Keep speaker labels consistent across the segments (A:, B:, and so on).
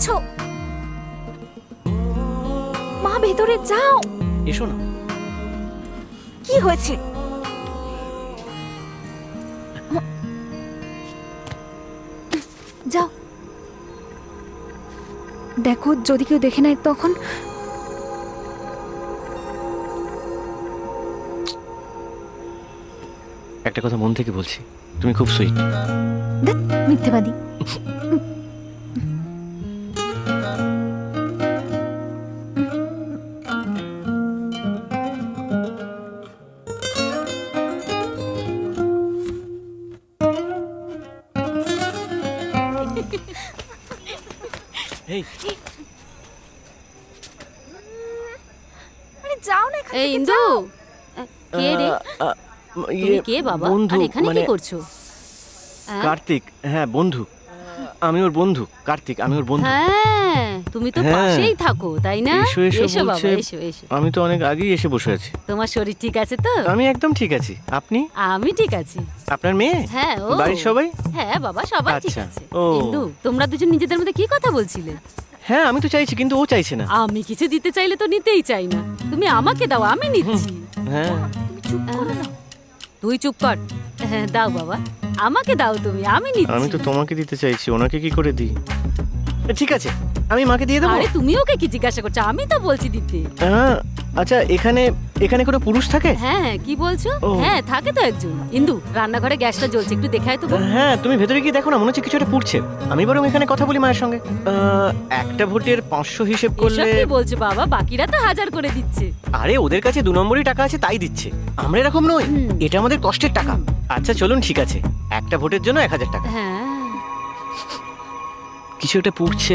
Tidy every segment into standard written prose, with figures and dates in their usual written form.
A: করেছো? মা ভেতরে যাও।
B: এসো না।
A: কি হয়েছে? যাও, দেখো যদি কেউ দেখে নেয় তখন।
B: একটা কথা মন থেকে বলছি, তুমি খুব সুইট।
A: মিথ্যেবাদী।
B: এই
A: আরে যাও না এখান
C: এই
A: থেকে,
C: ইন্দু,
A: যাও।
C: কে রে? তুমি কে বাবা?
B: বন্ধু,
C: আর এখানে কি
B: মানে
C: করছো? হ্যাঁ?
B: কার্তিক। হ্যাঁ বন্ধু, আমি ওর বন্ধু। কার্তিক, আমি ওর বন্ধু।
C: হ্যাঁ, তুমি তো
B: হ্যাঁ।
C: পাশেই থাকো তাই না?
B: এসো এসো
C: এসো বাবা,
B: বলছে।
C: এসো এসো।
B: আমি তো অনেক আগেই এসে বসে আছি।
C: তোমার শরীর ঠিক আছে তো?
B: আমি একদম ঠিক আছি। আপনি?
C: আমি ঠিক আছি।
B: আপনার মেয়ে?
C: হ্যাঁ, ও
B: বাড়ির সবাই?
C: হ্যাঁ বাবা, সবাই ঠিক
B: আচ্ছা,
C: আছে।
B: ও।
C: ইন্দু, তোমরা দুজন নিজেদের মধ্যে কি কথা বলছিলে?
B: হ্যাঁ আমি তো চাইছি, কিন্তু ও চাইছে না।
C: আমি কিছু দিতে চাইলে তো নিতেই চাই না। তুমি আমাকে দাও, আমি নিচ্ছি।
B: হ্যাঁ
A: তুমি চুপ করো না।
C: তুই চুপ কর। হ্যাঁ, দাও বাবা, আমাকে দাও তুমি, আমি নিচ্ছি।
B: আমি তো তোমাকে দিতে চাইছি, ওনাকে কি করে দিই? ঠিক আছে, আমি মাকে দিয়ে দেবো।
C: আরে তুমি ওকে কি জিজ্ঞাসা করছো? আমি তো বলছি দিতে।
B: হ্যাঁ, আচ্ছা এখানে এখানে কোনো পুরুষ থাকে?
C: হ্যাঁ, কি বলছো?
B: ও।
C: হ্যাঁ, থাকে তো একজন। ইন্দু, রান্নাঘরে গ্যাসটা জ্বলছে, একটু দেখায় তো বোন।
B: হ্যাঁ তুমি ভেতরে গিয়ে দেখো না, মনে হচ্ছে কিছু একটা পুড়ছে। আমি বরং এখানে কথা বলি মায়ের সঙ্গে। একটা ভোটের 500 হিসেব
C: এসব
B: করলে।
C: কি বলছো বাবা? বাকিরা তো 1000 করে দিচ্ছে।
B: আরে ওদের কাছে 2 নম্বরই টাকা আছে তাই দিচ্ছে, আমরা এরকম নই।
C: হুম।
B: এটা আমাদের কষ্টের টাকা। আচ্ছা চলুন, ঠিক আছে, একটা ভোটের জন্য 1000 টাকা।
C: হ্যাঁ।
B: কিছু একটা পুড়ছে।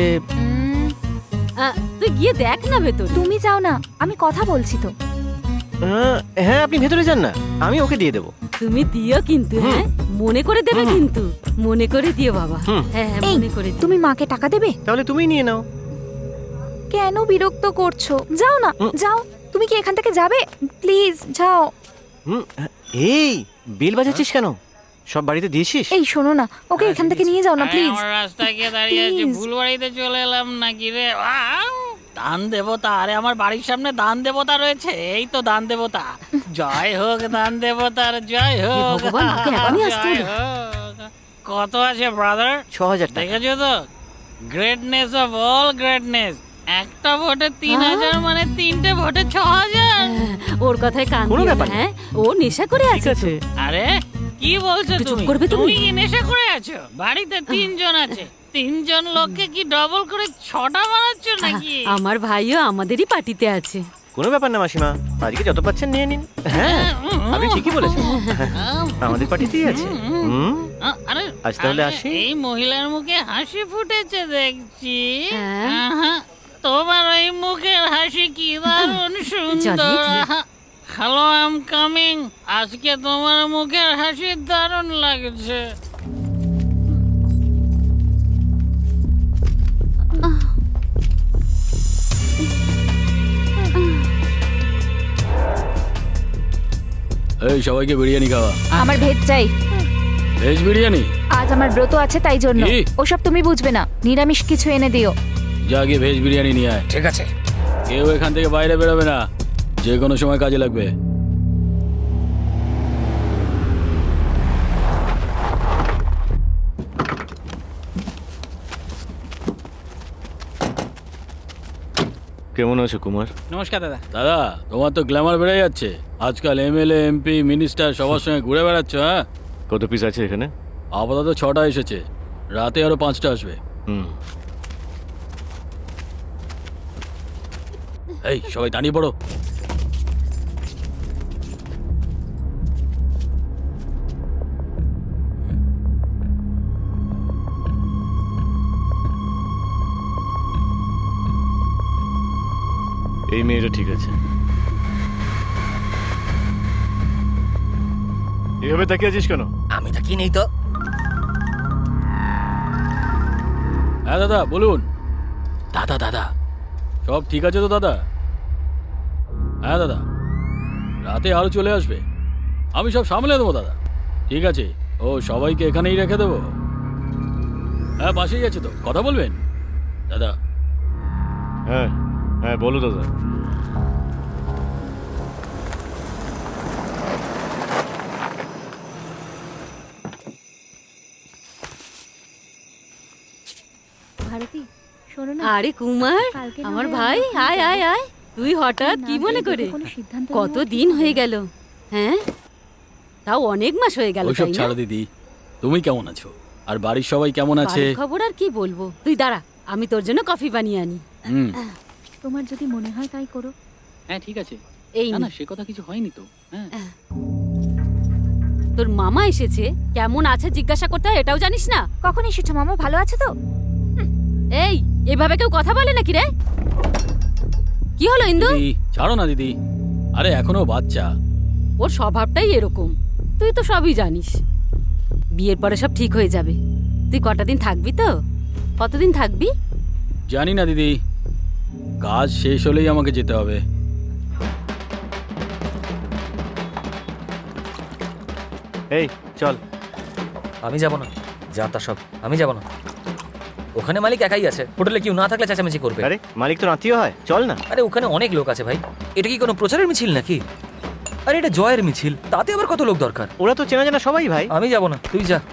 C: তুই গিয়ে দেখ না ভেতর।
A: তুমি যাও না, আমি কথা বলছি তো।
B: হ্যাঁ আপনি ভেতরে যান না, আমি ওকে দিয়ে দেবো।
C: তুমি দিও কিন্তু, হ্যাঁ মনে করে দেবে কিন্তু, মনে করে দিও বাবা।
B: হুম।
C: হ্যাঁ হ্যাঁ,
A: এই,
C: মনে করে দিও।
A: তুমি মাকে টাকা দেবে?
B: তাহলে তুমিই নিয়ে নাও।
A: কেন বিরক্ত করছো? যাও না,
B: হুম।
A: যাও। তুমি কি এখান থেকে যাবে? প্লিজ যাও।
B: এই বেল বাজাচ্ছিস কেন? সব বাড়িতে দিয়েছিস?
A: এই শোনো না, ওকে এখান থেকে নিয়ে যাও না
D: আরে,
A: প্লিজ।
D: আমার রাস্তায় গিয়ে দাঁড়িয়ে আছে,
A: Please.
D: ভুল বাড়িতে চলে এলাম নাকি রে? দান দেবতা, আরে আমার বাড়ির সামনে দান দেবতা রয়েছে, এই তো দান দেবতা। জয় হোক দান দেবতার, জয় হোক।
C: ভগবান, ওকে এখনই আসতে
D: জয়
C: হলো।
D: হোক। কত আছে ব্রাদার?
B: 6000 টাকা।
D: দেখেছো তো, গ্রেটনেস অফ অল গ্রেটনেস। একটা ভোটে 3000 মানে 3টে ভোটে 6000।
C: ওর কথায় কান
B: কোনো
C: দিও না,
B: ব্যাপার না।
C: হ্যাঁ ও নেশা করে
B: ঠিক
C: আছে তো।
B: আছে।
D: আরে কি বলছো
C: একটু চুপ
D: তুমি?
C: করবে তুমি?
D: তুমি কি নেশা করে আছো? বাড়িতে 3 জন আছে, 3 জন লোককে কি ডবল করে 6টা বানাচ্ছ নাকি?
C: আমার ভাইও আমাদেরই পার্টিতে আছে।
B: কোনো ব্যাপার না মাসিমা, আজকে যত পাচ্ছেন নিয়ে নিন। হ্যাঁ আপনি ঠিকই বলেছেন, আমাদের পার্টিতেই আছে।
D: আরে
B: আজ তাহলে
D: আরে,
B: আসি?
D: এই মহিলার মুখে হাসি ফুটেছে দেখছি।
C: হ্যাঁ।
D: আহা, তোমার ওই মুখের হাসি কি দারুণ সুন্দর।
C: জ্বালিয়ে দিলে।
D: Hello, I am coming. আজকে তোমার মুখের হাসি দারুণ লাগছে।
E: এই সবাইকে বিরিয়ানি খাওয়া।
A: আমার ভেজ চাই।
E: ভেজ বিরিয়ানি?
A: আজ আমার ব্রত আছে তাই জন্য।
E: কি?
A: ওসব তুমি বুঝবে না, নিরামিষ কিছু এনে দিও।
E: যা গিয়ে ভেজ বিরিয়ানি নিয়ে আয়।
D: ঠিক আছে।
E: কেউ এখান থেকে বাইরে বেরোবে না, যে কোনো সময় কাজে লাগবে।
B: কেমন আছো কুমার?
D: নমস্কার দাদা।
E: দাদা, তোমার তো গ্ল্যামার বেড়ে যাচ্ছে। আজকাল এমএলএ, এমপি, মিনিস্টার সবার সঙ্গে ঘুরে বেড়াচ্ছ। হ্যাঁ,
B: কত পিস আছে এখানে?
E: আপাতত 6টা এসেছে, রাতে আরো 5টা আসবে। এই সবাই দাঁড়িয়ে পড়ো।
B: এই মেয়েটা ঠিক আছে। এভাবে তাকিয়ে আছিস কেন?
D: আমি তো কি নেই তো।
E: হ্যাঁ দাদা বলুন। দাদা দাদা সব ঠিক আছে তো দাদা? হ্যাঁ দাদা, রাতে আরো চলে আসবে, আমি সব সামলে দেবো দাদা। ঠিক আছে, ও সবাইকে এখানেই রেখে দেবো। হ্যাঁ পাশেই আছে তো, কথা বলবেন। দাদা
B: হ্যাঁ হ্যাঁ বলো দাদা।
A: ভারতী শোনো না,
C: আরে কুমার,
A: কালকে না
C: আমার
A: হয়
C: ভাই,
A: আমরা
C: আয় আয় আয়। তুই হঠাৎ
A: না
C: কি
A: গিয়ে
C: মনে
A: দেখে
C: করে?
A: কোনো সিদ্ধান্ত
C: কত
A: নেওয়া
C: দিন
A: উচিত
C: হয়ে
A: হবে।
C: গেল, হ্যাঁ? তাও অনেক মাস হয়ে গেল,
E: ওইসব
C: তাই না?
E: ছাড়ো দিদি, তুমি কেমন আছো আর বাড়ির সবাই কেমন আছে?
C: বাড়ির খবর আর কি বলবো, তুই দাঁড়া, আমি তোর জন্য কফি বানিয়ে আনি।
E: হুম
A: তোমার যদি মনে হয় তাই করো।
D: হ্যাঁ ঠিক আছে,
C: এই
D: না
C: নে,
D: না সে কথা কিছু হয়নি তো। হ্যাঁ
C: তোর মামা এসেছে, কেমন আছে জিজ্ঞাসা করতে হয় এটাও জানিস না?
A: কখন এসেছো মামা, ভালো আছে তো?
C: এই, এভাবে কেউ কথা বলে নাকি রে? কি হলো ইন্দু?
E: দিদি ছাড়ো না দিদি, আরে এখনো বাচ্চা।
C: ওর স্বভাবটাই এরকম, তুই তো সবই জানিস। বিয়ের পরে সব ঠিক হয়ে যাবে। তুই কটা দিন থাকবি তো? কতদিন থাকবি?
E: জানি না দিদি, কাজ শেষ হলেই আমাকে যেতে হবে।
B: এই চল।
F: আমি যাব না, যা তা সব আমি যাব না। ওখানে মালিক একাই আছে, হোটেলে কেউ না থাকলে চেঁচামেচি করবে।
B: আরে মালিক তো আত্মীয় হয়, চল না।
F: আরে ওখানে অনেক লোক আছে ভাই, এটা কি কোনো প্রচারের মিছিল নাকি? আরে এটা জয়ের মিছিল, তাতে আবার কত লোক দরকার?
B: ওরা তো চেনা জানা সবাই ভাই।
F: আমি যাব না, তুই যা।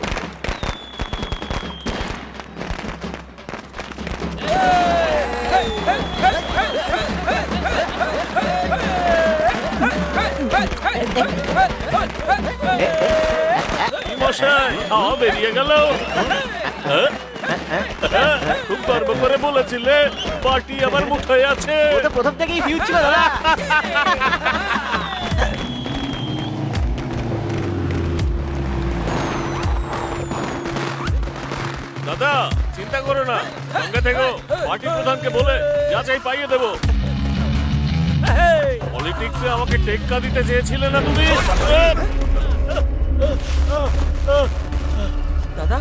G: মশাই হাওয়া বেরিয়ে গেল। খুব গর্ব করে বলেছিলে পার্টি আমার মুঠোয় আছে।
B: ও তো প্রথম থেকেই ফিউজ ছিল দাদা।
G: দাদা চিন্তা করো না, সঙ্গে থেকো। পার্টি প্রধানকে বলে যা চাই পাইয়ে দেবো। পলিটিক্সে আমাকে টেক্কা দিতে চেয়েছিলে না তুমি?
F: দাদা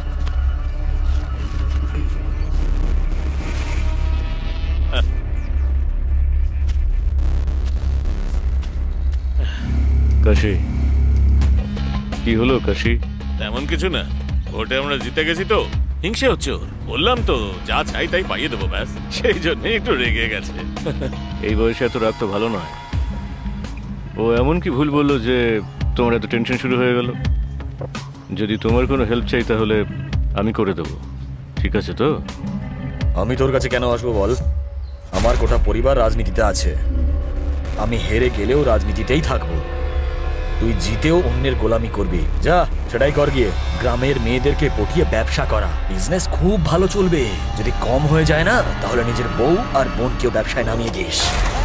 B: কাশি কি হলো কাশি?
G: তেমন কিছু না, ভোটে আমরা জিতে গেছি তো হিংসে হচ্ছে ওর। বললাম তো যা চাই তাই পাইয়ে দেবো, ব্যাস সেই জন্য একটু রেগে গেছে।
B: এই বয়সে এত রাগ তো ভালো নয়। ও এমন কি ভুল বললো যে তোমার এত টেনশন শুরু হয়ে গেল? যদি তোমার কোনো হেল্প চাই তাহলে আমি করে দেবো, ঠিক আছে তো?
F: আমি তোর কাছে কেন আসবো বল? আমার গোটা পরিবার রাজনীতিতে আছে, আমি হেরে গেলেও রাজনীতিতেই থাকবো। তুই জিতেও অন্যের গোলামি করবি, যা সেটাই কর গিয়ে। গ্রামের মেয়েদেরকে পটিয়ে ব্যবসা করা, বিজনেস খুব ভালো চলবে। যদি কম হয়ে যায় না, তাহলে নিজের বউ আর বোনকেও ব্যবসায় নামিয়ে দিস।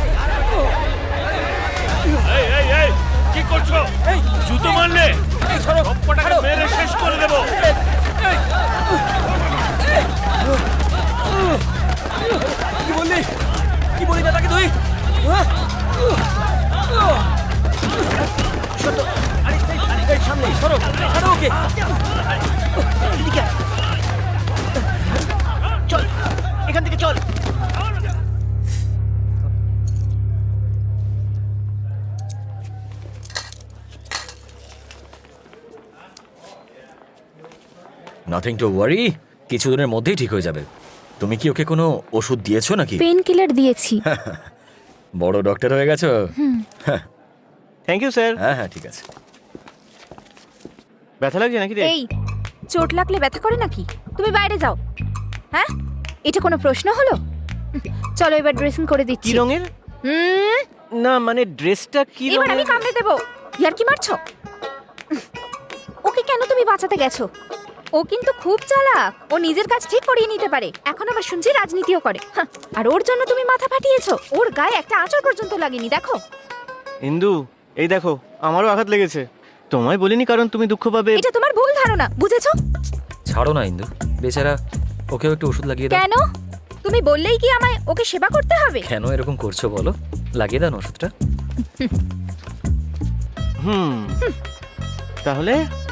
G: এই এই এই কি করছো? জুতো মারলে সবকটাকে মেরে শেষ করে দেবো।
F: কি বললি? কি বলি দাদাকে তুই? সামনে সরো, ছাড়ো ওকে।
B: চল এখান থেকে চল।
F: নাথিং টু ওয়ারি, কিছুদিনের মধ্যেই ঠিক হয়ে যাবে। তুমি কি ওকে কোনো ওষুধ দিয়েছো নাকি?
A: পেন কিলার দিয়েছি।
F: বড় ডক্টর হয়ে গেছো।
B: Thank you sir.
F: হ্যাঁ হ্যাঁ ঠিক আছে।
B: ব্যথা লাগছে নাকি রে?
A: এই, চোট লাগলে ব্যথা করে নাকি? তুমি বাইরে যাও। হ্যাঁ, এটা কোনো প্রশ্ন হলো? চলো এবার ড্রেসিং করে
B: কি
A: দিচ্ছি।
B: রঙের?
A: হুম,
B: না মানে ড্রেসটা কি
A: এবার আমি
B: রঙের?
A: কামড়ে দেবো। ইয়ার কি মারছো? ওকে কেন তুমি বাঁচাতে গেছো? ও কিন্তু খুব চালাক, ও নিজের কাজ ঠিক করিয়ে নিতে পারে। এখন আবার শুনছি রাজনীতিও করে। হাহ, আর ওর জন্য তুমি মাথা ফাটিয়েছো। ওর গায়ে একটা আঁচড় পর্যন্ত লাগেনি, দেখো।
B: ইন্দু এই দেখো, আমারও আঘাত লেগেছে। তোমায় বলিনি কারণ তুমি দুঃখ পাবে।
A: এটা তোমার ভুল ধারণা, বুঝেছো?
F: ছাড়ো না ইন্দু, বেচারা, ওকেও একটু ওষুধ লাগিয়ে দাও।
A: কেন? তুমি বললেই কি আমায় ওকে সেবা করতে হবে?
F: কেন এরকম করছো বলো? লাগিয়ে দাও না ওষুধটা।
B: তাহলে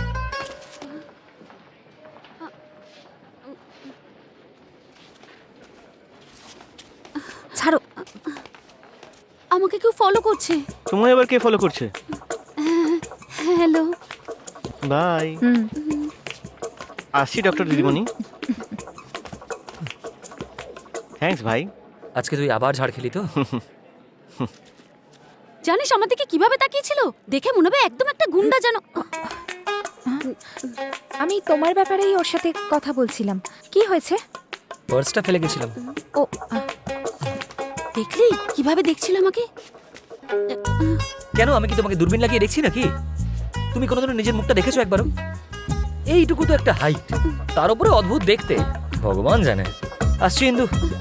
C: ছাড়ো, আমাকে কেউ ফলো করছে।
B: তোমায় আবার কে ফলো করছে?
C: হ্যালো।
B: বাই। আসছি ডক্টর দিদিমণি। থ্যাঙ্কস ভাই।
F: আজকে তুই আবার ঝাড় খেলি তো?
C: জানিস আমার দিকে কিভাবে তাকিয়েছিল, দেখে মনে হবে একদম একটা গুন্ডা যেন।
A: আমি তোমার ব্যাপারেই ওর সাথে কথা বলছিলাম। কি হয়েছে?
F: পার্সটা ফেলে গেছিলাম।
A: ও
C: দেখলি কিভাবে দেখছিল আমাকে?
F: কেন, আমি কি তোমাকে দূরবীন লাগিয়ে দেখছি নাকি? তুমি কোনোদিনও নিজের মুখটা দেখেছো একবারও? এইটুকু তো একটা হাইট, তার উপরে অদ্ভুত দেখতে, ভগবান জানে। আসছি ইন্দু।